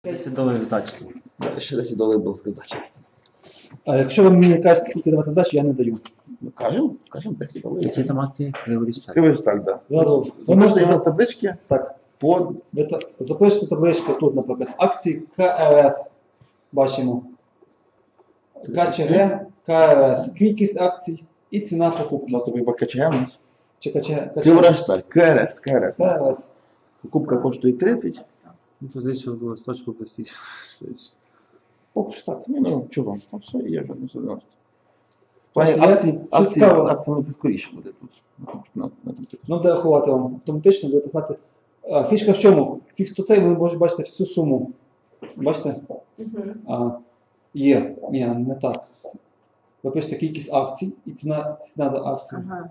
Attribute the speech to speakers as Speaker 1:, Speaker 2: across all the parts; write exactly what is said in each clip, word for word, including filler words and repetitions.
Speaker 1: десять доларів здачі.
Speaker 2: Да, ще десять доларів була здача.
Speaker 3: А якщо ви мені не кажете, скільки давати здачі, я не даю.
Speaker 2: Ну, кажемо, кажемо десять доларів.
Speaker 1: Які там акції? Криворіж так.
Speaker 2: Кривиш так, да.
Speaker 3: Зразу. Ви
Speaker 2: Запишете
Speaker 3: можете
Speaker 2: його
Speaker 3: за-
Speaker 2: в таблички
Speaker 3: Так.
Speaker 2: по
Speaker 3: Ви та- запишете таблички тут, наприклад, акції КРС. Бачимо. КЧГ, КРС. Кількість акцій і ціна покупки.
Speaker 2: на тобі КЧГ у нас.
Speaker 3: Чи КЧГ?
Speaker 2: Криворіжсталь, КРС, КРС.
Speaker 3: КРС.
Speaker 2: Покупка коштує тридцять.
Speaker 1: Ну, то звідси в листочку простіше. швидше.
Speaker 2: Поки що так. Ні, ну чого? Ну все, є вже, ну все одно. В плані
Speaker 3: Просто я-
Speaker 2: акцій,
Speaker 3: що
Speaker 2: акції, з
Speaker 3: цікаво.
Speaker 2: акціями це скоріше буде тут. На, на, на,
Speaker 3: Ну, де рахувати вам автоматично, будете знати. А, фішка в чому? Ці, хто цей, ви можете бачити всю суму. Бачите? А, є. Ні, не так. Ви пишете кількість акцій і ціна, ціна за акцію.
Speaker 4: Ага.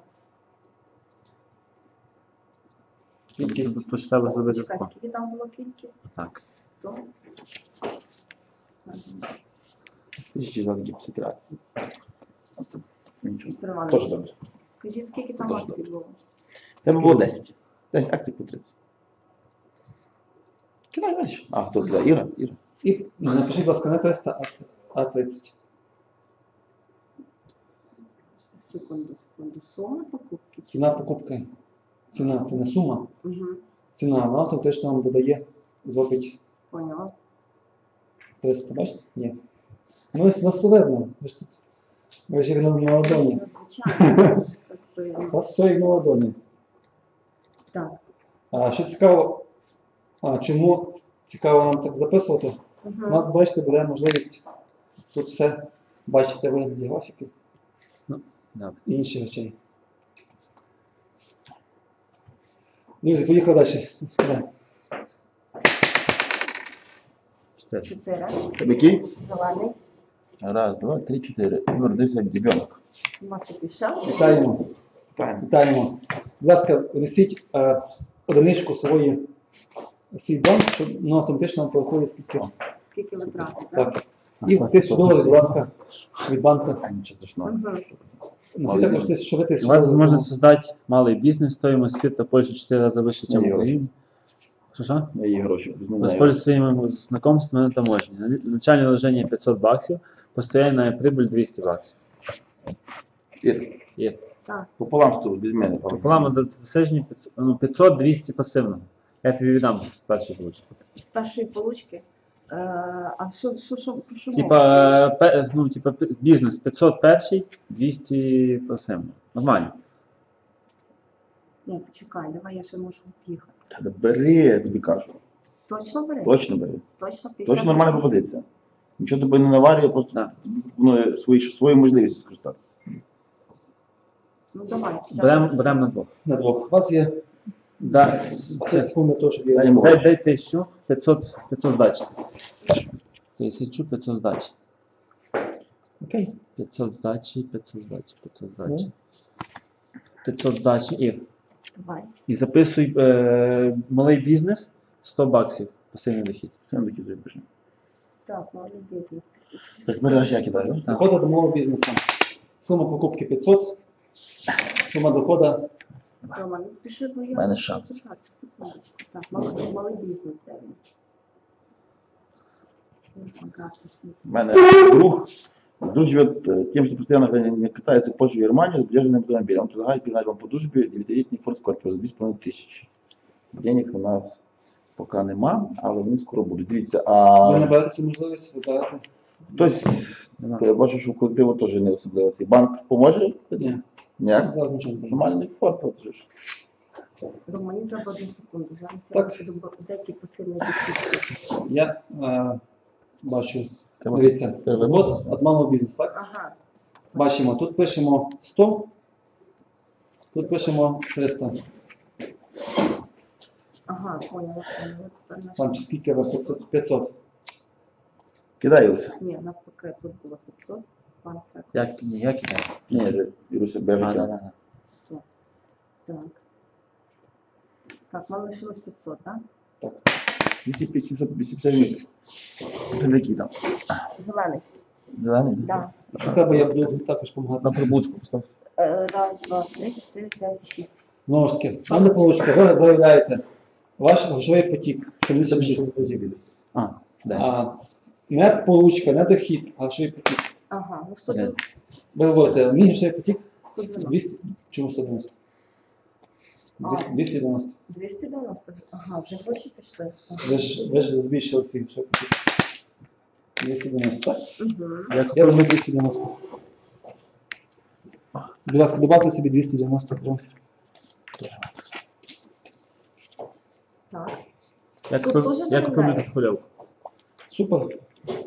Speaker 3: Кількість.
Speaker 1: Тут тут ж треба зробити
Speaker 4: Чекай,
Speaker 1: тако.
Speaker 4: скільки там було кількість?
Speaker 1: Так.
Speaker 4: То?
Speaker 2: Тисячі за п'ятдесят акцій. Нічого.
Speaker 4: Віктор Іванович,
Speaker 2: Тоже добре.
Speaker 4: скажіть, скільки там
Speaker 2: Дуже
Speaker 4: акцій
Speaker 2: добре.
Speaker 4: було?
Speaker 2: Це було десять. десять акцій по тридцять. Кидай далі. А, хто туди? Іра? Іра.
Speaker 3: І ну, напишіть, будь ласка, не триста, а тридцять.
Speaker 4: Секунду, секунду. Сума покупки?
Speaker 3: Ціна покупки. Ціна, це не сума.
Speaker 4: Угу.
Speaker 3: Ціна, вона автоматично вам додає, зробить
Speaker 4: Поняла.
Speaker 3: триста, бачите? Ні. Ну, ось нас все видно. Ви ж тут, ви ж як на на ладоні.
Speaker 4: Ну, звичайно. Как би,
Speaker 3: У вас все як на ладоні.
Speaker 4: Так.
Speaker 3: А що цікаво, а чому цікаво нам так записувати? У
Speaker 4: Угу.
Speaker 3: нас, бачите, буде можливість тут все бачити вигляді графіки
Speaker 1: Добре.
Speaker 3: і інших речей. Друзі, поїхали далі.
Speaker 1: Чотири.
Speaker 4: Чотири.
Speaker 2: Тебе який?
Speaker 4: Зелений.
Speaker 2: Раз, два, три, чотири. Родився як дебенок.
Speaker 4: Сума пішов.
Speaker 3: Вітаємо.
Speaker 2: Правильно.
Speaker 3: Вітаємо. Будь ласка, внесіть е, одиничку свої свій банк, щоб ну, автоматично вам порахує скільки.
Speaker 4: Скільки витрати, так?
Speaker 3: Так. І тисячу доларів, будь ласка, від банку.
Speaker 2: А, нічого страшного.
Speaker 4: Угу.
Speaker 3: Несіть також тисячу, ви
Speaker 1: У
Speaker 3: тисячу
Speaker 1: вас
Speaker 3: доларів.
Speaker 1: можна создати малий бізнес, стоимость спирта Польши в четыре раза выше, чем
Speaker 2: Ні,
Speaker 1: в Украине. Что, что?
Speaker 2: Я її гроші візьму.
Speaker 1: Воспользуйтесь своими знакомствами на таможне. Начальное вложение пятьсот баксов, постоянная прибыль двести баксов.
Speaker 2: Іра,
Speaker 1: Є.
Speaker 4: Так.
Speaker 2: пополам з тобою, без мене.
Speaker 1: Пополам до досяжні п'ятсот двісті пасивно. Я тобі віддам перший ключ.
Speaker 4: З першої получки. Е, а що, що, що, про що мова?
Speaker 1: Типа, пе- ну, типа пе- бізнес п'ятсот перший, двісті пасивно. Нормально.
Speaker 4: Ні, почекай, давай я ще можу їхати.
Speaker 2: Та да бери, я тобі кажу.
Speaker 4: Точно бери?
Speaker 2: Точно бери.
Speaker 4: Точно п'ятдесят?
Speaker 2: Точно нормальна пропозиція. Нічого тобі не наварює, просто
Speaker 1: Так.
Speaker 2: пропонує свої, свою можливість скористатися.
Speaker 4: Ну давай, п'ятдесят.
Speaker 1: Беремо берем на двох.
Speaker 3: На двох. У вас є
Speaker 1: Да,
Speaker 3: це секунди того, щоб
Speaker 2: Дай
Speaker 3: я...
Speaker 2: йому.
Speaker 1: дай, дай тисячу, п'ятсот, п'ятсот здачі. Тисячу, п'ятсот здачі.
Speaker 3: Окей.
Speaker 1: п'ятсот здачі, п'ятсот здачі, п'ятсот здачі. п'ятсот здачі і,
Speaker 4: Давай.
Speaker 1: і записуй е, малий бізнес сто баксів пасивний дохід.
Speaker 2: Це не такі запишемо.
Speaker 4: Так, малий бізнес.
Speaker 2: Так, бери аж я кидаю, так?
Speaker 3: Доходи до мого бізнесу. Сума покупки п'ятсот, сума доходу
Speaker 4: Рома, не спіши, бо я...
Speaker 2: У мене шанс.
Speaker 4: Почекай, секундочку. Так, малий, малий бізнес термін.
Speaker 2: У мене друг, друг живет э, тем, что постоянно не, не катается в Польшу и Германию с подержанным автомобилем. Он предлагает передать вам по дружбе девятилетний Ford Scorpio за дві з половиною тисячі. Денег у нас поки нема, але вони скоро будуть. Дивіться, а
Speaker 3: ви не берете цю можливість, ви берете?
Speaker 2: хтось,
Speaker 1: Нема.
Speaker 2: я бачу, що в колективу теж не особливо. Цей банк поможе?
Speaker 3: Ні.
Speaker 2: Ніяк?
Speaker 3: Зараз нічого не кажу.
Speaker 2: Нормальний Ford, от же ж.
Speaker 4: Рома, мені треба одну секунду. Зараз
Speaker 3: Так.
Speaker 4: я буду, де ті посильні дохід.
Speaker 3: Я е, бачу,
Speaker 2: Треба-
Speaker 3: дивіться,
Speaker 2: треба
Speaker 3: от від малого бізнесу, так?
Speaker 4: Ага.
Speaker 3: Бачимо, тут пишемо сто, тут пишемо триста.
Speaker 4: Ага, поняла, поняла. Тепер наш...
Speaker 3: Там чи скільки ви? п'ятсот. п'ятсот.
Speaker 2: Кидай, Іруся.
Speaker 4: Ні, навпаки, тут було п'ятсот. Пан Сек.
Speaker 1: Як, ні, як іде?
Speaker 2: Ні, Іруся,
Speaker 1: А,
Speaker 2: бежить.
Speaker 1: да, да, да.
Speaker 4: Так. Так, вам лишилось п'ятсот, так?
Speaker 2: вісімсот вісімдесят місяців. Ти який там?
Speaker 4: Зелений.
Speaker 2: Зелений?
Speaker 4: Так.
Speaker 3: Що тебе, я буду також допомагати.
Speaker 2: На прибутку постав.
Speaker 4: Е, Раз, два, три, чотири, п'ять, шість.
Speaker 3: Знову ж таки, пане Павлочка, ви заявляєте ваш грошовий потік. Що ви собі грошовий потік?
Speaker 1: А,
Speaker 3: А, не получка, не дохід, а швидкий потік.
Speaker 4: Ага, ну сто дев'яносто.
Speaker 3: Ви говорите, мій швидкий потік
Speaker 4: сто дев'яносто.
Speaker 3: двісті, чому сто дев'яносто? двісті, двісті дев'яносто.
Speaker 4: двісті дев'яносто. Ага, вже гроші пішли.
Speaker 3: Ви ж, ви ж збільшили свій швидкий потік. двісті дев'яносто, так?
Speaker 4: Угу.
Speaker 1: Я
Speaker 3: Я роблю двісті дев'яносто. Будь ласка, добавте собі двісті дев'яносто гривень.
Speaker 4: Так.
Speaker 1: Я
Speaker 4: Тут
Speaker 1: купив,
Speaker 4: теж
Speaker 1: я купив
Speaker 4: додають?
Speaker 1: мікрохвильовку.
Speaker 3: Супер.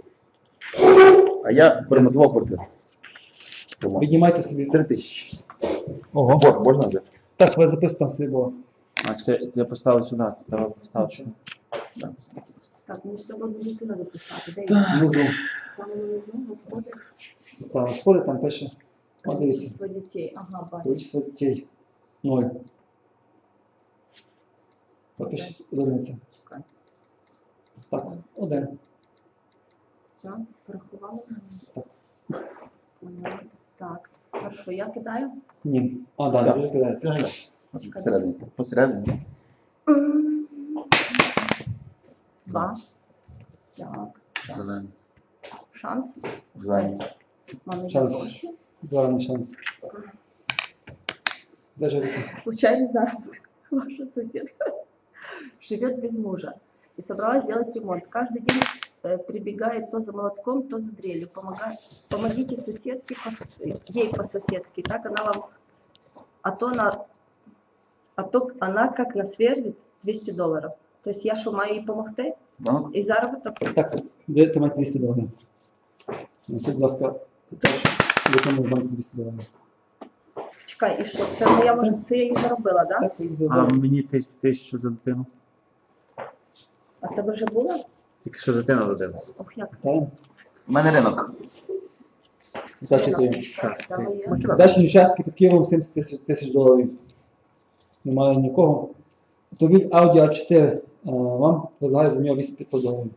Speaker 2: А я перемотував квартиру.
Speaker 3: Піднімайте собі.
Speaker 2: Три тисячі.
Speaker 3: Ого.
Speaker 2: Борг можна взяти?
Speaker 3: Так, ви записуєте там свій борг.
Speaker 1: А чекай, я поставив сюди, треба поставити сюди.
Speaker 4: Так, мені ж треба дитина дописати. Де
Speaker 3: Внизу.
Speaker 4: саме внизу, господи.
Speaker 3: Там сходи, там пише. От дивіться.
Speaker 4: Количество дітей. Ага, бачу.
Speaker 3: Количество дітей. Ноль. Попишіть одиниця.
Speaker 4: Чекай.
Speaker 3: Так, один.
Speaker 4: Все, порахували?
Speaker 3: Так.
Speaker 4: Мгм. Так, хорошо, я кидаю.
Speaker 3: Ні. А, да,
Speaker 2: Так.
Speaker 3: ви вже кидаєте.
Speaker 2: Посередині. Посередині.
Speaker 4: Два. Так. шанс.
Speaker 1: Зелений.
Speaker 4: Шанс.
Speaker 2: Зелені.
Speaker 4: Мами є
Speaker 3: Шанс.
Speaker 4: гроші.
Speaker 3: Зараз шанс. Де живете?
Speaker 4: Случайный заработок. Ваша соседка живет без мужа и собралась сделать ремонт. Каждый день э, прибегает то за молотком, то за дрелью. Помогает. Помогите соседке, по- ей по-соседски. Так она вам... А то, она, а то она как насверлит двісті доларів. Тобто я що, маю їй допомогти?
Speaker 2: Ну,
Speaker 4: І заробіток?
Speaker 3: Так, де мати двісті доларів? Ну, Будь ласка, виконуй банку двісті доларів.
Speaker 4: Чекай, і що? Це моя може, це я їй заробила, так? Да?
Speaker 3: Так, їх
Speaker 1: А
Speaker 3: забрали.
Speaker 1: мені тисяч- тисячу за дитину.
Speaker 4: А в тебе вже було?
Speaker 1: Тільки що дитина родилась.
Speaker 4: Ох, як.
Speaker 3: Вітаємо.
Speaker 2: у мене ринок.
Speaker 3: Удачі тобі.
Speaker 4: Чекай,
Speaker 1: Так,
Speaker 4: там
Speaker 1: ти-
Speaker 4: є.
Speaker 3: Дачні участки під Києвом сімдесят тисяч, тисяч доларів. Немає нікого. Автомобіль Audi а чотири. е, Вам предлагаю за нього вісім тисяч п'ятсот доларів.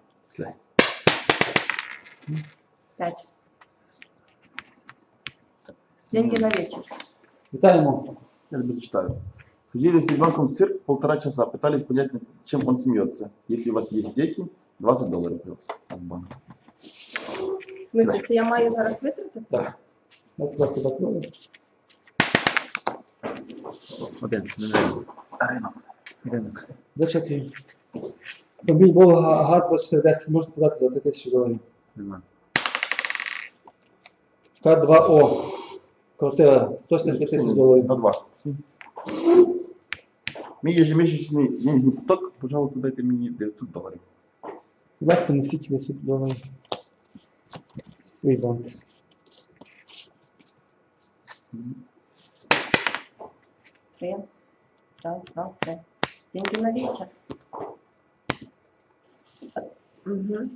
Speaker 4: Пять. Деньги на вечер.
Speaker 3: Вітаємо.
Speaker 2: Я тебе читаю. Ходили с ребенком в цирк полтора часа, пытались понять, чем он смеется. Если у вас есть дети, двадцать долларов плюс от банка.
Speaker 4: В смысле, це я маю зараз витратити?
Speaker 3: Так. Дайте, будь ласка, двадцять доларів.
Speaker 1: Один, не ринок.
Speaker 2: Ринок.
Speaker 1: Ринок.
Speaker 3: Зачекай. Автомобіль Волга ГАЗ двадцять чотири десять можна продати за три тисячі доларів.
Speaker 1: Нема.
Speaker 3: К два О. Квартира сто сімдесят п'ять тисяч доларів.
Speaker 2: На два. Мій ежемесячний денежный поток, пожалуйста, дайте мені дев'ятсот доларів.
Speaker 3: Будь ласка, несіть десять доларів. Свій банк.
Speaker 4: Три. Раз, два, три. Деньги на вечер. Угу.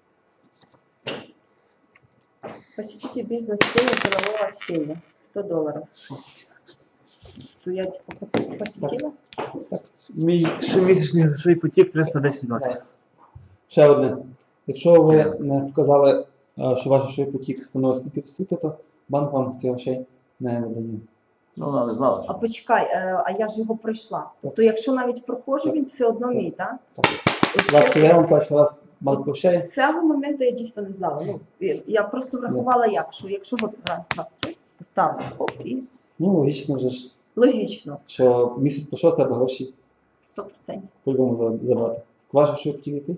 Speaker 4: Посетите бизнес-тренинг делового общения. сто долларов.
Speaker 1: Шість.
Speaker 4: Ну, я типа пос- посетила.
Speaker 1: Мій щомісячний грошовий потік триста десять баксів.
Speaker 3: Ще одне. Якщо ви не вказали, е, що ваш грошовий потік становить стільки стільки, то банк вам ці грошей не видає.
Speaker 2: Ну, вона не знала.
Speaker 4: А
Speaker 2: що.
Speaker 4: почекай, е, а я ж його пройшла.
Speaker 3: Так.
Speaker 4: То якщо навіть проходжу,
Speaker 3: Так.
Speaker 4: він все одно мій, так?
Speaker 3: Так. Будь ласка, я вам перший раз банк грошей.
Speaker 4: Цього моменту я дійсно не знала. Ну, я- я просто врахувала як, що якщо от раз, два, три, поставлю, хоп, і
Speaker 3: Ну, логічно вже ж,
Speaker 4: логічно,
Speaker 3: що місяць пройшов, треба гроші
Speaker 4: сто процентів.
Speaker 3: по-любому за- забрати. Ваш грошовий потік який?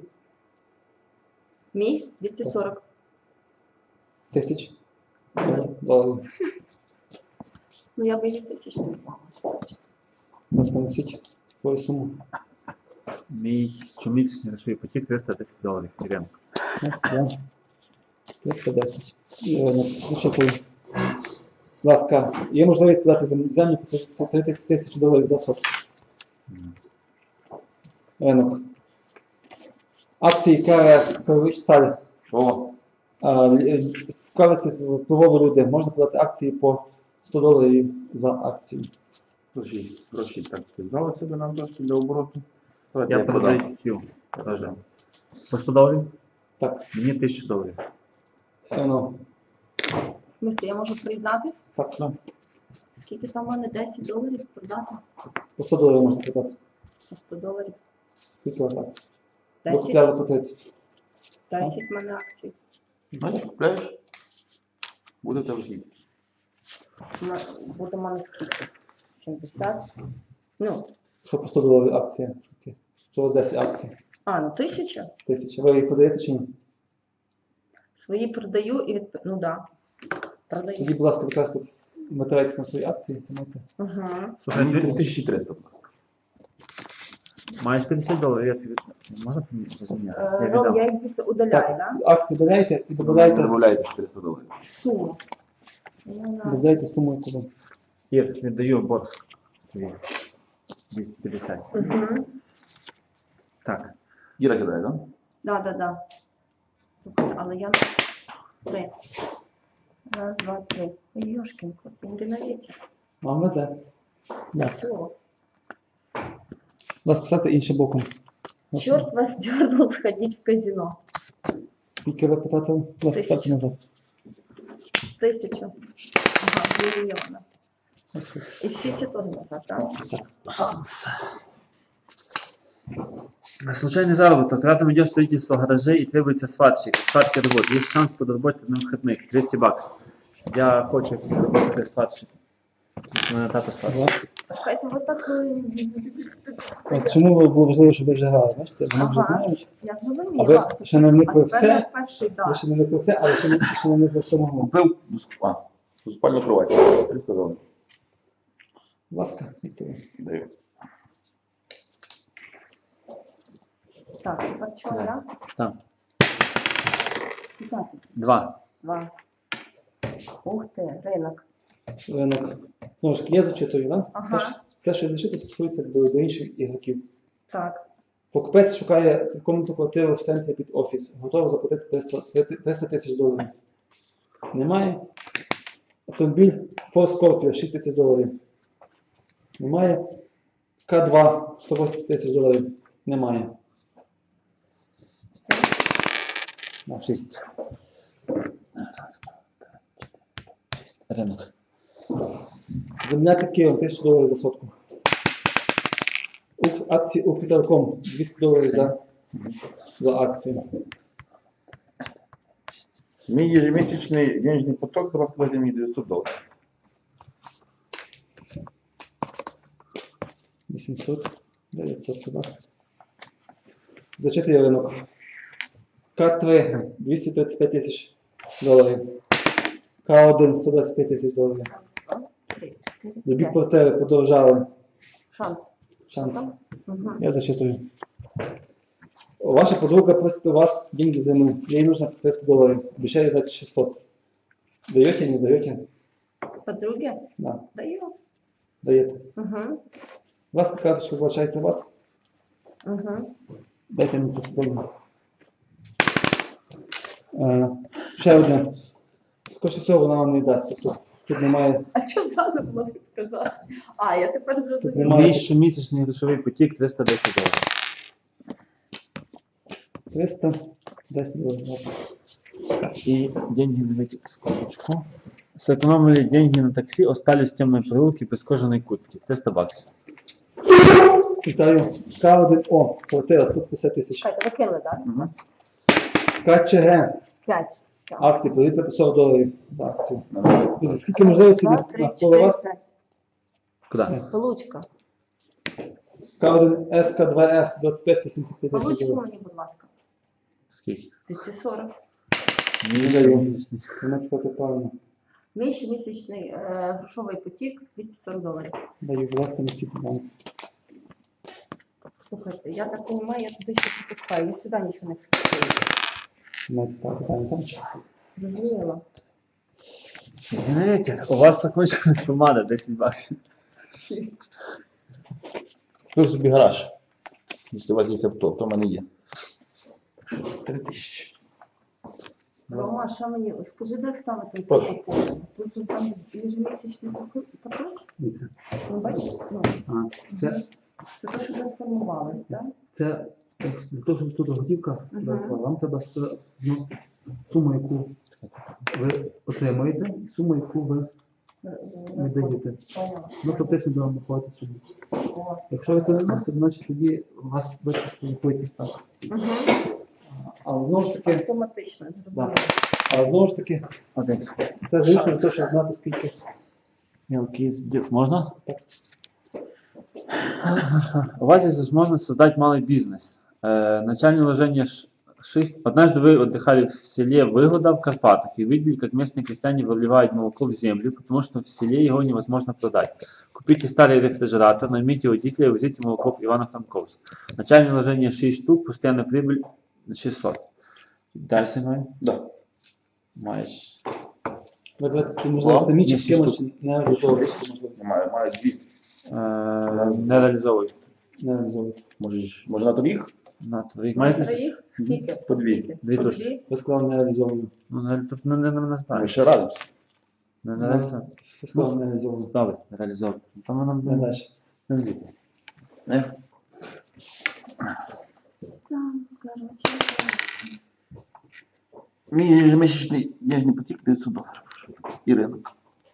Speaker 4: Мій двісті сорок.
Speaker 3: Тисяч доларів.
Speaker 4: Ну я би її тисяч не мала.
Speaker 3: Будь ласка, несіть свою суму.
Speaker 1: Мій щомісячний грошовий потік триста десять доларів. Ринок.
Speaker 3: Ось, да. триста десять. І, е, зачекаю. Будь ласка, є можливість подати за землю по три тисячі доларів за сотку. Ринок. Акції КРС, Крович Сталь.
Speaker 2: О,
Speaker 3: Цікавиться впливові люди. Можна подати акції по сто доларів за акцію.
Speaker 2: гроші, гроші так взяли себе нам трошки для обороту. Давайте
Speaker 1: Я
Speaker 2: я продам.
Speaker 1: продаю цю. Теж. По сто доларів?
Speaker 3: Так,
Speaker 1: Мені тисячу доларів.
Speaker 3: ну,
Speaker 4: В смислі, я можу приєднатись?
Speaker 3: так, ну,
Speaker 4: Скільки там у мене десять доларів продати?
Speaker 3: по сто доларів можна продати.
Speaker 4: По сто доларів.
Speaker 3: Скільки у вас акцій? Ви
Speaker 4: десять?
Speaker 3: купляли по тридцять.
Speaker 4: десять в мене акцій.
Speaker 2: Бачиш, купляєш, буде в тебе хід.
Speaker 4: М- Буде в мене скільки? сімдесят. Ну,
Speaker 3: Що по сто доларів акція? Скільки? Що у вас десять акцій?
Speaker 4: а, ну тисяча.
Speaker 3: Тисяча. Ви їх продаєте чи ні?
Speaker 4: Свої продаю і від... Ну да.
Speaker 3: Тоді,
Speaker 4: Продаю.
Speaker 3: будь ласка, використовуйте матеріалів на свої акції, тримайте.
Speaker 4: Угу.
Speaker 1: Слухай,
Speaker 2: Мені
Speaker 1: ти-
Speaker 2: тисяча триста, будь ласка.
Speaker 1: маєш п'ятдесят доларів, я тобі... Можна розміняти? Я
Speaker 4: Ром,
Speaker 1: віддам.
Speaker 4: я їх звідси удаляю,
Speaker 3: Так,
Speaker 4: да?
Speaker 3: акції додаєте і додаєте,
Speaker 2: Домовляєте чотириста доларів.
Speaker 4: Суму. Ну, да.
Speaker 3: додаєте суму, яку ви.
Speaker 1: Ір, віддаю борг. Тобі. двісті п'ятдесят.
Speaker 4: Угу.
Speaker 1: Так.
Speaker 2: Іра кидає, так?
Speaker 4: Да, да, да. Слухай, але я... Три. Раз, два, три. Ой, ёшкин кот, деньги на ветер.
Speaker 3: Вам везе. Так.
Speaker 4: Все.
Speaker 3: Будь ласка, ставте іншим боком.
Speaker 4: Черт вас дернул сходить в казино.
Speaker 3: Скільки ви потратили? Будь ласка, ставте
Speaker 4: Тисячу.
Speaker 3: назад.
Speaker 4: Тысячу. Ага, миллиона. И все эти тоже назад, да?
Speaker 1: На случайный заработок. Рядом идет строительство гаражей и требуется сварщик. Сварки работы. Есть шанс подработать на выходных. двести баксов. Я хочу работать сварщиком. Мене тато сварщик.
Speaker 4: Какая-то вот такой...
Speaker 3: От чому ви- було важливо, щоб ви вже грали? Бачите, вони вже
Speaker 4: Ага.
Speaker 3: знають.
Speaker 4: Я
Speaker 3: А
Speaker 4: зрозуміла.
Speaker 3: ви ще не вникли в
Speaker 4: А тепер
Speaker 3: це,
Speaker 4: перший,
Speaker 3: ви
Speaker 4: да.
Speaker 3: ще не вникли в це, але ще не, ще не вникли в самого.
Speaker 2: Купив а, спальну кровать. триста доларів.
Speaker 3: Будь ласка, Віктор.
Speaker 2: Даю.
Speaker 4: Так, тепер чого я?
Speaker 1: Так.
Speaker 4: Так,
Speaker 1: Два.
Speaker 4: два. Ух ти, ринок.
Speaker 3: Ринок. Знову ж таки, я зачитую, да?
Speaker 4: Ага.
Speaker 3: Те, що- Те, що я зачитую, стосується до, до інших ігроків.
Speaker 4: Так.
Speaker 3: Покупець шукає трикомнатну квартиру в центрі під офіс. Готовий заплатити триста триста тисяч доларів. Немає. Автомобіль Ford Scorpio шість тисяч доларів. Немає. К два сто вісімдесят тисяч доларів. Немає.
Speaker 4: Все.
Speaker 1: На шість. Раз, два, три, чотири, шість. Ринок.
Speaker 3: Земля під Києвом тисяча доларів за сотку. Укр- Акції Укртелеком двісті доларів за, за акцію.
Speaker 2: Мій ежемісячний денежний поток зараз складає мені дев'ятсот доларів.
Speaker 3: вісімсот, дев'ятсот, будь ласка. Зачитую ринок. К три двісті тридцять п'ять тисяч доларів. К один сто двадцять п'ять тисяч доларів.
Speaker 4: Раз, два, три, чотири,
Speaker 3: Любі
Speaker 4: п'ять.
Speaker 3: квартири подорожали.
Speaker 4: Шанс.
Speaker 3: Шанс.
Speaker 4: Угу.
Speaker 3: Я зачитую. Ваша подруга просит у вас деньги взаймы. Ей нужно триста долларов. Обещали дать шестьсот. Даете, не даете?
Speaker 4: Подруги?
Speaker 3: Да,
Speaker 4: Даю.
Speaker 3: даєте.
Speaker 4: Угу.
Speaker 3: Ласка, карточка залишається у вас.
Speaker 4: Угу.
Speaker 3: Дайте мені триста доларів. Е, ще одне. Скоріше всього вона вам не дасть. Тобто тут немає.
Speaker 4: А що зразу було не сказати? А, я тепер зрозуміла.
Speaker 3: Немає.
Speaker 1: Мій щомісячний грошовий потік триста десять доларів.
Speaker 3: триста десять доларів. будь ласка.
Speaker 1: И деньги на эти скобочку. Сэкономили деньги на такси, остались в темной прогулке без кожаной куртки. триста баксов.
Speaker 3: Вітаю. К один О. Квартира сто п'ятдесят тисяч.
Speaker 4: Чекайте, ви кинули, так?
Speaker 2: Угу.
Speaker 3: К Ч Г.
Speaker 4: П'ять. Так.
Speaker 3: Акції продаються по сорок доларів за акцію. Друзі, скільки можливостей
Speaker 4: Два,
Speaker 3: на-
Speaker 4: три,
Speaker 3: навколо
Speaker 4: чотири,
Speaker 3: вас?
Speaker 4: п'ять.
Speaker 1: Куда?
Speaker 4: Получка.
Speaker 3: К один С, К два С, двадцять п'ять сто сімдесят п'ять тисяч
Speaker 4: Получку
Speaker 3: доларів.
Speaker 4: мені, будь ласка.
Speaker 1: Скільки?
Speaker 4: двісті сорок.
Speaker 1: Мій
Speaker 3: Не даю.
Speaker 1: щомісячний.
Speaker 3: Вона сказати правильно.
Speaker 4: Мій щомісячний е, грошовий потік двісті сорок доларів.
Speaker 3: Даю, будь ласка, несіть банк.
Speaker 4: Слухайте, я так розумію, я туди ще пропускаю. Я сюди нічого не фіксую.
Speaker 3: Маєте ставити питання там.
Speaker 4: Зрозуміло.
Speaker 1: Знаете, у вас закончилась помада десять баксов.
Speaker 2: Купив собі гараж. Якщо у вас є авто, то в мене є. Три тисячі.
Speaker 4: Рома, що мені? Скажи, де ставити
Speaker 2: Прошу.
Speaker 4: цю купу? Тут же там ежемісячний поток.
Speaker 3: Дивіться.
Speaker 4: Ну, бачиш? Ну,
Speaker 3: А, це,
Speaker 4: це те, що вже сформувалось, так?
Speaker 3: це для того, щоб тут готівка,
Speaker 4: Мгм.
Speaker 3: вам треба ст- вносити суму, яку ви отримуєте, і суму, яку ви не даєте.
Speaker 4: Поняла.
Speaker 3: Ну, фактично буде вам виходити суму.
Speaker 4: О.
Speaker 3: Якщо ви це не вносите, значить тоді у вас вичислили по якісь ставки.
Speaker 4: Угу.
Speaker 3: Але знову ж таки,
Speaker 4: Автоматично, зрозуміло.
Speaker 3: але знову ж таки,
Speaker 1: Один.
Speaker 3: це звісно не те, щоб знати скільки.
Speaker 1: Мелкий сдел- Можно?
Speaker 3: Так.
Speaker 1: У вас есть возможность создать малый бизнес. Э, начальное вложение шесть. Однажды вы отдыхали в селе Выгода в Карпатах и видели, как местные крестьяне выливают молоко в землю, потому что в селе его невозможно продать. Купите старый рефрижератор, наймите водителя и возите молоко в Ивано-Франковск. Начальное вложение шесть штук, постоянная прибыль шестьсот. Дальше мы
Speaker 2: Да.
Speaker 1: маешь.
Speaker 3: Ви будете, можливо, самі чи
Speaker 1: Є
Speaker 3: з кимось
Speaker 1: штук.
Speaker 3: не реалізовуєте цю можливість.
Speaker 2: Маю, маю дві.
Speaker 1: Э, не реализовывай.
Speaker 3: Не реалізовуєте.
Speaker 2: Можеш, може на торік?
Speaker 1: На твоїх
Speaker 4: На
Speaker 1: маєш
Speaker 4: троїх? Скільки?
Speaker 2: По дві.
Speaker 4: Скільки?
Speaker 1: Дві
Speaker 4: По
Speaker 1: тушки.
Speaker 4: дві?
Speaker 3: Ви сказали не реалізовано.
Speaker 1: Ну, не, тут не, не, не
Speaker 2: Ми
Speaker 1: назбираєш.
Speaker 2: ще радимося.
Speaker 1: Не, не, реалізовуй.
Speaker 3: Ви сказали не реалізовано.
Speaker 1: Добре, реалізовуй. Там воно
Speaker 3: Не
Speaker 1: не,
Speaker 3: далі.
Speaker 1: не влітись.
Speaker 2: Не?
Speaker 4: Там, коротше.
Speaker 2: Мій ежемісячний денежний потік дев'ятсот доларів. І ринок.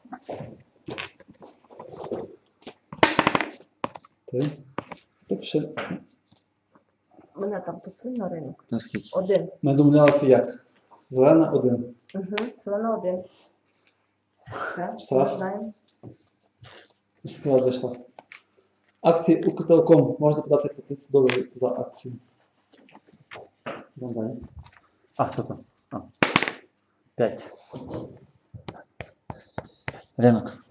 Speaker 3: Три. Хто пише?
Speaker 4: Мене там посунь на ринок.
Speaker 1: Наскільки?
Speaker 4: Один.
Speaker 3: Ми домовлялися як? Зелена один.
Speaker 4: Угу. Зелена один. Все,
Speaker 3: Все.
Speaker 4: ми знаємо.
Speaker 3: Справа дійшла. Акції Укртелеком можна подати по тридцять доларів за акцію. Йдемо далі.
Speaker 1: А, хто там? А. П'ять. Ринок.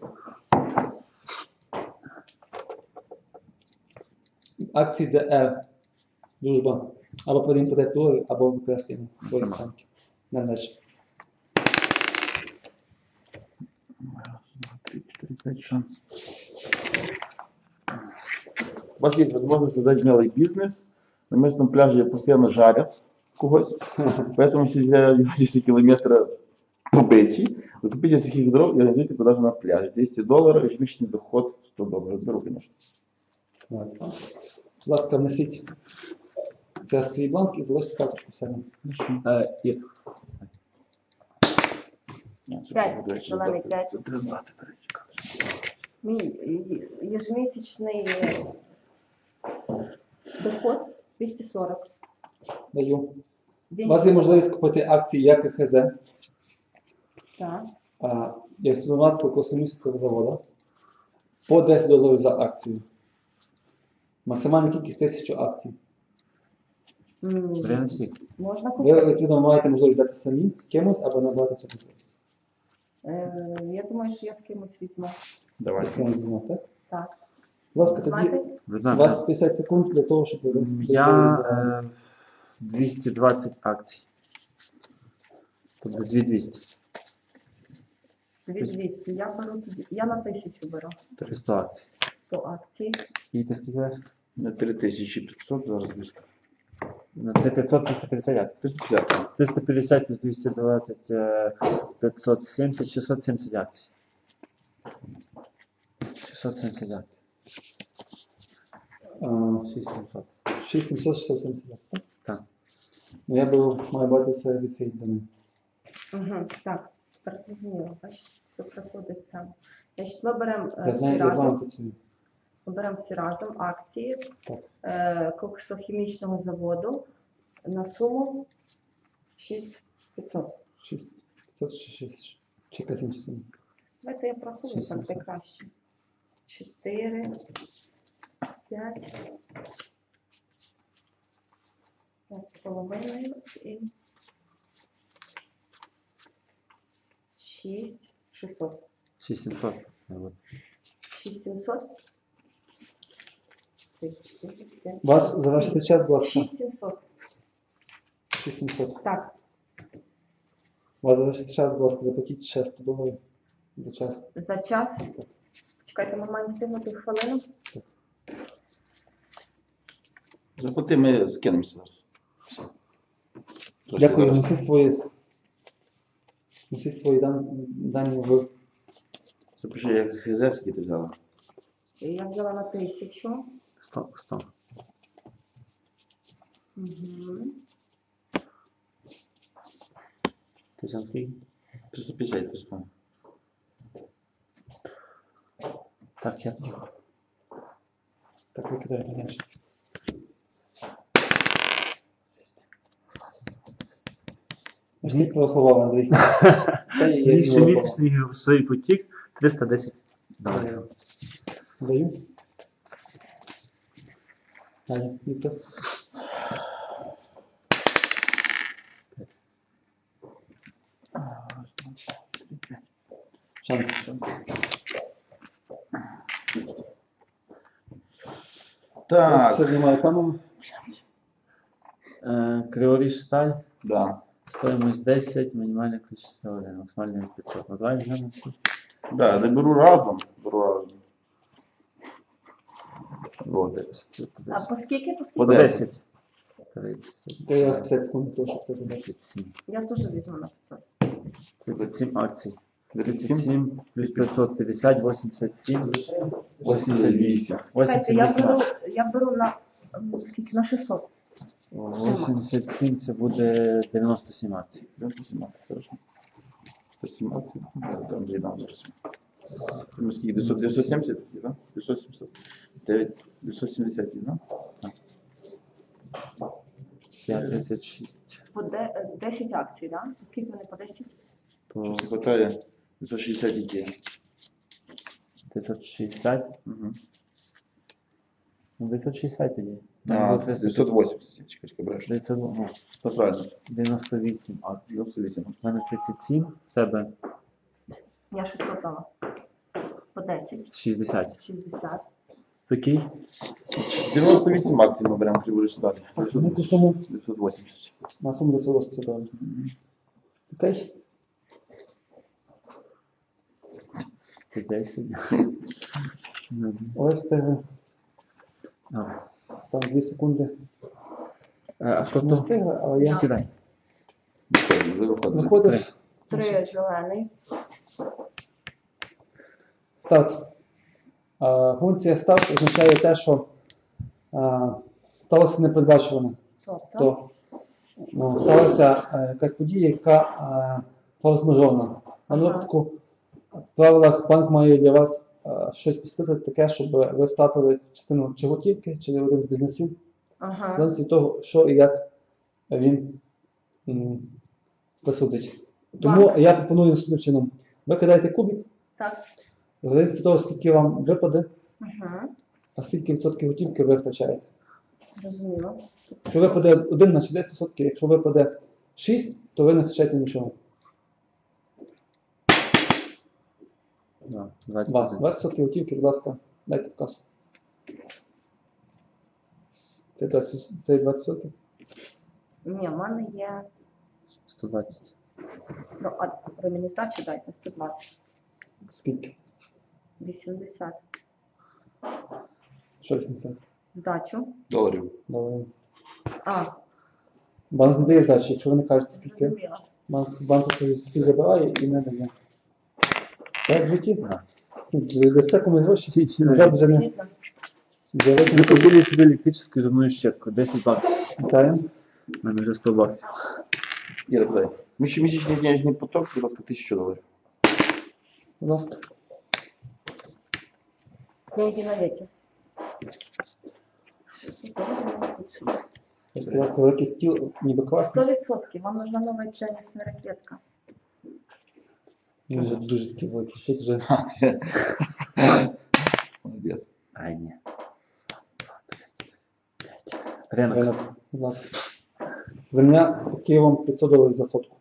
Speaker 3: Акції ДР. Дружба. Або продаємо по десять доларів, або використаємо свої банки. Не далі.
Speaker 2: три, четыре, пять шанс. У вас есть возможность создать малый бизнес. На местном пляже постоянно жарят когось, поэтому все зря радиусе километра побиті. Закупите сухих дров и организуйте продажу на пляже. двести долларов, ежемесячный доход сто долларов. Беру, конечно.
Speaker 3: Так. Будь ласка, внесіть це свій бланк і залиште карточку в себе.
Speaker 1: Е, Ір.
Speaker 4: П'ять. Зелений п'ять.
Speaker 2: Це треба знати, до речі.
Speaker 4: Мій ежемісячний доход двісті сорок.
Speaker 3: Даю. У
Speaker 4: День.
Speaker 3: вас є можливість купити акції як ХЗ,
Speaker 4: Так.
Speaker 3: як Світломацького космічного заводу, по десять доларів за акцію. Максимальна кількість тисячу акцій.
Speaker 4: М,
Speaker 1: Время всіх.
Speaker 4: Можна
Speaker 3: Ви,
Speaker 4: купити.
Speaker 3: відповідно, маєте можливість взяти самі з кимось або набрати цю можливість.
Speaker 4: Е, Я думаю, що я з кимось візьму.
Speaker 2: Давай.
Speaker 3: З кимось візьмете, так?
Speaker 4: Так.
Speaker 3: Будь ласка, тоді
Speaker 4: Знати?
Speaker 3: у
Speaker 1: Видно,
Speaker 3: вас п'ятдесят секунд для того, щоб ви
Speaker 1: я е, двісті двадцять акцій. Тобто дві двісті.
Speaker 4: Дві двісті. Я беру тоді. Я на тисячу беру.
Speaker 1: сто акцій.
Speaker 4: сто акцій.
Speaker 1: І ти скільки береш?
Speaker 2: На три тисячі п'ятсот зараз близько.
Speaker 1: На три п'ятсот триста п'ятдесят акцій.
Speaker 2: триста п'ятдесят.
Speaker 1: триста п'ятдесят плюс двісті двадцять, е, п'ятсот сімдесят, шістсот сімдесят акцій. шістсот сімдесят акцій. шість сімсот.
Speaker 3: шість сімсот шістсот сімдесят, так?
Speaker 1: Так.
Speaker 3: Ну, я беру, маю братися від цієї дані.
Speaker 4: Угу. Так. Тепер зрозуміло. Бачите, все приходить сам. Значить, ми беремо е,
Speaker 3: Я знаю,
Speaker 4: всі
Speaker 3: я з вами
Speaker 4: разом.
Speaker 3: працюю.
Speaker 4: Ми беремо всі разом акції
Speaker 3: Так.
Speaker 4: е, коксохімічного заводу на суму шість п'ятсот.
Speaker 3: шість п'ятсот чи шість. Чи якась інша сума.
Speaker 4: Давайте я порахую,
Speaker 1: шість
Speaker 4: так де
Speaker 1: сімсот.
Speaker 4: краще. чотири, п'ять, п'ять з половиною і шість шістсот.
Speaker 1: шість сімсот. Вот.
Speaker 4: шість сімсот. три, чотири, п'ять,
Speaker 3: У вас
Speaker 4: шість,
Speaker 3: завершиться
Speaker 4: сім.
Speaker 3: час, будь ласка.
Speaker 4: шість сімсот.
Speaker 3: шість сімсот.
Speaker 4: Так,
Speaker 3: У вас завершиться час, будь ласка, заплатіть ще сто доларів за час.
Speaker 4: за час. Чекайте, ми маємо встигнути хвилину.
Speaker 2: Заплати, ми скинемося зараз. Все. Трошки
Speaker 3: Дякую,
Speaker 2: зараз.
Speaker 3: несіть свої, несіть свої дан- дані в
Speaker 2: Запиши, як ХЗ, скільки ти взяла.
Speaker 4: Я взяла на тисячу.
Speaker 1: сто, сто.
Speaker 4: Угу.
Speaker 1: Ти сам скільки?
Speaker 2: триста п'ятдесят, триста.
Speaker 1: Так, я.
Speaker 3: так викидаєте далі. Аж ти порахував, Андрій. Та є, є,
Speaker 1: Більше
Speaker 3: є,
Speaker 1: місячний грошовий потік триста десять доларів.
Speaker 3: Даю. Далі, Віктор. Шанс.
Speaker 2: Так,
Speaker 3: Все знімаю камеру.
Speaker 1: Е, Криворіж сталь,
Speaker 2: да.
Speaker 1: стоїмость десять, мінімальне кількість один, максимальне п'ятсот. Ну, давай вже всі.
Speaker 2: Да, я беру разом. Беру разом. Вот.
Speaker 4: А по скільки, по
Speaker 2: По
Speaker 4: скільки?
Speaker 1: По
Speaker 2: десять.
Speaker 1: десять.
Speaker 3: То я п'ятдесят секунд, то що це за десять.
Speaker 1: тридцять сім.
Speaker 4: Я теж візьму на п'ятсот.
Speaker 1: тридцять сім акцій.
Speaker 2: тридцять
Speaker 1: тридцять
Speaker 2: сім.
Speaker 1: сім плюс п'ятсот п'ятдесят, вісімдесят сім, вісімдесят вісім.
Speaker 4: Чекайте, я
Speaker 1: вісімдесят
Speaker 4: беру,
Speaker 1: вісім.
Speaker 4: я беру на, м, скільки, на шістсот.
Speaker 1: вісімдесят сім це буде дев'яносто сім акцій.
Speaker 2: сто сімнадцять, хорошо. сто сімнадцять, да, там дві нам зараз. Ну, скільки, дев'ятсот дев'ятсот сімдесят, да? дев'ятсот сімдесят. дев'ять, дев'ятсот сімдесят, да?
Speaker 1: п'ять тридцять шість.
Speaker 4: По де- е, десять акцій, так? Да? Скільки вони по десять?
Speaker 1: По
Speaker 2: Щось не хватає. дев'ятсот шістдесят які.
Speaker 1: дев'ятсот шістдесят.
Speaker 2: Угу.
Speaker 1: Ну, дев'ятсот шістдесят тоді.
Speaker 2: А, дев'ятсот вісімдесят, чекай, чекай, бреш.
Speaker 1: дев'ятсот, ну,
Speaker 2: Все правильно.
Speaker 1: дев'яносто вісім акцій.
Speaker 2: дев'яносто вісім.
Speaker 1: У мене тридцять сім, в тебе
Speaker 4: Я шістсот дала. По десять.
Speaker 1: шістдесят.
Speaker 4: шістдесят.
Speaker 1: Який?
Speaker 2: дев'яносто вісім акцій ми беремо криворіж сталі.
Speaker 3: На яку суму?
Speaker 2: дев'ятсот вісімдесят.
Speaker 3: На суму дев'ятсот вісімдесят доларів. Окей?
Speaker 1: По десять. Ну,
Speaker 3: Ось тебе.
Speaker 1: а.
Speaker 3: Там дві секунди.
Speaker 1: Е, А хто
Speaker 3: Не
Speaker 1: то?
Speaker 3: встигли, але я
Speaker 1: Кидай.
Speaker 2: Вже виходимо.
Speaker 3: виходив.
Speaker 4: Три зелений.
Speaker 3: Старт. А, Функція старт означає те, що а, сталося непередбачуване.
Speaker 4: Сорта.
Speaker 3: То ну, сталася е, якась подія, яка е, форс-мажорна. На
Speaker 4: Ага.
Speaker 3: випадку в правилах банк має для вас е, щось посвятити таке, щоб ви втратили частину чи готівки, чи один з бізнесів,
Speaker 4: Ага.
Speaker 3: залежить від того, що і як він м, присудить. Тому
Speaker 4: Банк.
Speaker 3: я пропоную наступним чином. Ви кидаєте кубик,
Speaker 4: Так.
Speaker 3: залежить від того, скільки вам випаде,
Speaker 4: Ага.
Speaker 3: а скільки відсотків готівки ви втрачаєте.
Speaker 4: Зрозуміло.
Speaker 3: Якщо випаде один, значить десять відсотків, якщо випаде шість, то ви не втрачаєте нічого.
Speaker 1: Да, двадцять
Speaker 3: Два.
Speaker 1: процентів.
Speaker 3: двадцять відсотків готівки, будь ласка, дайте в касу. Це двадцять, це двадцять відсотків?
Speaker 4: Ні, в мене є.
Speaker 1: сто двадцять.
Speaker 4: Ну, а ви мені здачу дайте сто двадцять.
Speaker 3: Скільки?
Speaker 4: вісімдесят.
Speaker 3: Що вісімдесят?
Speaker 4: Здачу.
Speaker 2: Доларів.
Speaker 3: Добре.
Speaker 4: А,
Speaker 3: Банк не дає здачі, якщо ви не кажете скільки.
Speaker 4: зрозуміло.
Speaker 3: Банк, банк всі забирає і не дає. Так, житті?
Speaker 1: Да.
Speaker 3: Дасте комусь гроші? Назад вже не.
Speaker 4: Дійсно.
Speaker 3: Вже
Speaker 1: Ви
Speaker 3: вийде.
Speaker 1: купили собі електричну зубну щітку, десять баксів.
Speaker 3: Вітаємо.
Speaker 1: У мене вже сто баксів.
Speaker 2: Іра, кидай. Місячний денежний поток, будь ласка, тисячу доларів.
Speaker 3: Будь ласка.
Speaker 4: Деньги на ветер.
Speaker 3: Я сказав, великий стіл, ніби класний.
Speaker 4: Сто відсотків. Вам нужна нова теннисна ракетка.
Speaker 3: Він вже дуже такий великий. Щось вже.
Speaker 2: Молодець.
Speaker 1: Ай, ні. Ринок.
Speaker 3: Ринок. Будь ласка. Земля під Києвом п'ятсот доларів за сотку.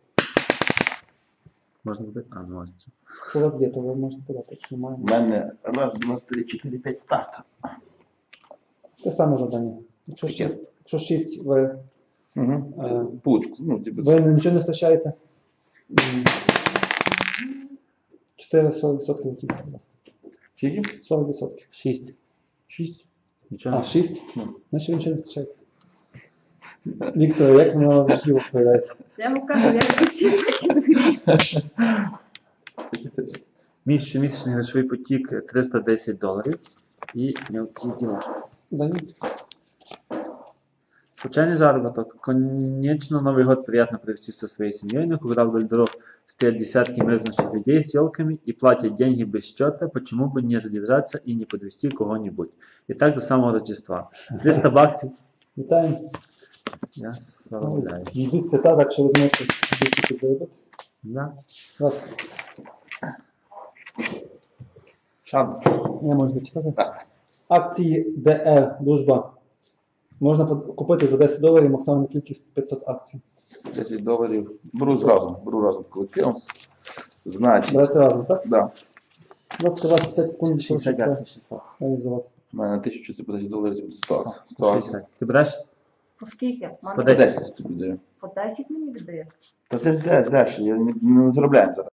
Speaker 1: Можна буде? А, ну можна.
Speaker 3: Що у вас є, то ви можете подати, якщо немає.
Speaker 2: У мене раз, два, три, чотири, п'ять старт.
Speaker 3: Те саме завдання. Якщо шість, якщо шість ви,
Speaker 2: Угу.
Speaker 3: е,
Speaker 2: Булочку, ну, типу.
Speaker 3: ви нічого не втрачаєте, м, чотири сорок відсотків готівки, будь ласка.
Speaker 2: Скільки?
Speaker 3: сорок відсотків.
Speaker 1: Шість.
Speaker 3: шість.
Speaker 1: Нічого
Speaker 3: А,
Speaker 1: не.
Speaker 3: шість? Значить ви нічого не втрачаєте. Віктор, як воно в житті виявляється?
Speaker 4: Я вам кажу, я чуть-чуть.
Speaker 1: Мій щомісячний грошовий потік триста десять доларів і мелкі діла.
Speaker 3: Дають.
Speaker 1: Случайный заработок. Конечно, Новый год приятно провести со своей семьей, но когда вдоль дорог стоят десятки мерзнущих людей с елками и платят деньги без счета, почему бы не задержаться и не подвести кого-нибудь. И так до самого Рождества. триста баксов.
Speaker 3: Вітаємо.
Speaker 1: Я славляю.
Speaker 3: Йдуть свята, так що ви зможете двісті підробити.
Speaker 1: Да.
Speaker 3: Раз,
Speaker 2: Шанс.
Speaker 3: я можу зачитати. Акції ДР Дружба. Можна под- купити за десять доларів максимальну кількість п'ятсот акцій.
Speaker 2: десять доларів. Беру зразу, беру разом колективом. Значить,
Speaker 3: Давайте разом, так?
Speaker 2: да.
Speaker 3: У вас двадцять п'ять секунд, щоб
Speaker 1: шістдесят акцій, шістсот.
Speaker 3: реалізувати.
Speaker 2: У мене тисячу, це по десять доларів, це буде сто.
Speaker 1: сто шістдесят. Ти береш?
Speaker 4: По скільки? Мама,
Speaker 1: По
Speaker 2: По
Speaker 1: десять.
Speaker 2: десять тобі даю.
Speaker 4: По десять мені віддає.
Speaker 2: Та це ж деш, деш, я не, не заробляємо зараз.